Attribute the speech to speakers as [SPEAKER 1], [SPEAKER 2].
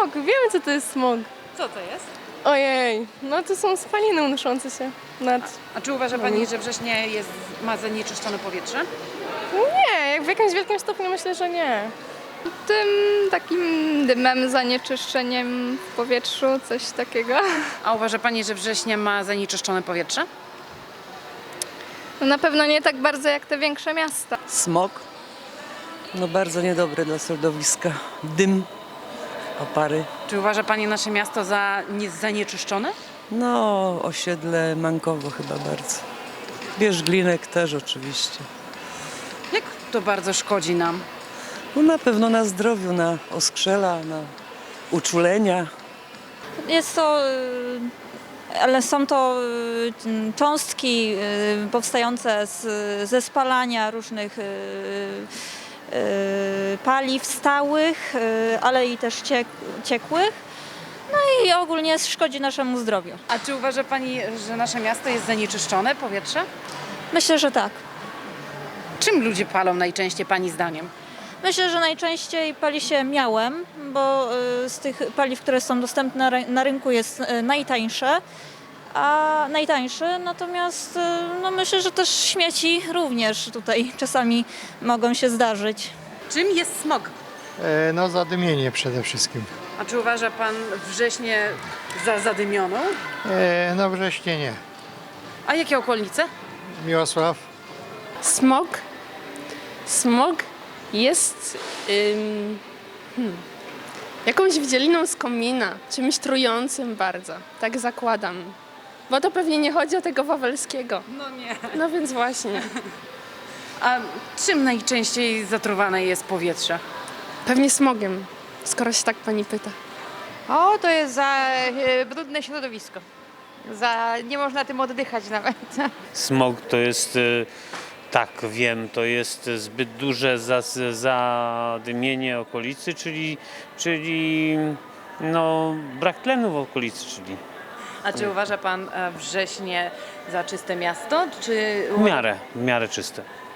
[SPEAKER 1] smog, wiemy co to jest smog.
[SPEAKER 2] Co to jest?
[SPEAKER 1] Ojej, no to są spaliny unoszące się nad...
[SPEAKER 2] A czy uważa Pani, że Wrześnie ma zanieczyszczone powietrze?
[SPEAKER 1] Nie, jak w jakimś wielkim stopniu myślę, że nie.
[SPEAKER 3] Tym takim dymem, zanieczyszczeniem w powietrzu, coś takiego.
[SPEAKER 2] A uważa Pani, że Wrześnie ma zanieczyszczone powietrze?
[SPEAKER 3] No na pewno nie tak bardzo jak te większe miasta.
[SPEAKER 4] Smog, no bardzo niedobry dla środowiska. Dym, opary.
[SPEAKER 2] Czy uważa Pani nasze miasto za zanieczyszczone?
[SPEAKER 4] No, osiedle Mankowo chyba bardzo. Bierzglinek też oczywiście.
[SPEAKER 2] Jak to bardzo szkodzi nam?
[SPEAKER 4] No na pewno na zdrowiu, na oskrzela, na uczulenia.
[SPEAKER 5] Jest to, ale są to cząstki powstające ze spalania różnych paliw stałych, ale i też ciekłych. No i ogólnie szkodzi naszemu zdrowiu.
[SPEAKER 2] A czy uważa Pani, że nasze miasto jest zanieczyszczone powietrze?
[SPEAKER 5] Myślę, że tak.
[SPEAKER 2] Czym ludzie palą najczęściej Pani zdaniem?
[SPEAKER 5] Myślę, że najczęściej pali się miałem, bo z tych paliw, które są dostępne na rynku jest najtańszy, natomiast no myślę, że też śmieci również tutaj czasami mogą się zdarzyć.
[SPEAKER 2] Czym jest smog?
[SPEAKER 6] No zadymienie przede wszystkim.
[SPEAKER 2] A czy uważa Pan Wrześnie za zadymioną?
[SPEAKER 6] No wrześnie nie.
[SPEAKER 2] A jakie okolice?
[SPEAKER 6] Miłosław?
[SPEAKER 1] Smog? Smog jest jakąś wdzieliną z komina, czymś trującym bardzo, tak zakładam. Bo to pewnie nie chodzi o tego Wawelskiego.
[SPEAKER 2] No nie.
[SPEAKER 1] No więc właśnie.
[SPEAKER 2] A czym najczęściej zatruwane jest powietrze?
[SPEAKER 1] Pewnie smogiem, skoro się tak pani pyta.
[SPEAKER 7] O, to jest za brudne środowisko. Nie można tym oddychać nawet.
[SPEAKER 8] Smog to jest, tak wiem, to jest zbyt duże zadymienie okolicy, czyli no, brak tlenu w okolicy, czyli
[SPEAKER 2] A czy uważa Pan Wrześnie za czyste miasto? Czy
[SPEAKER 8] w miarę czyste.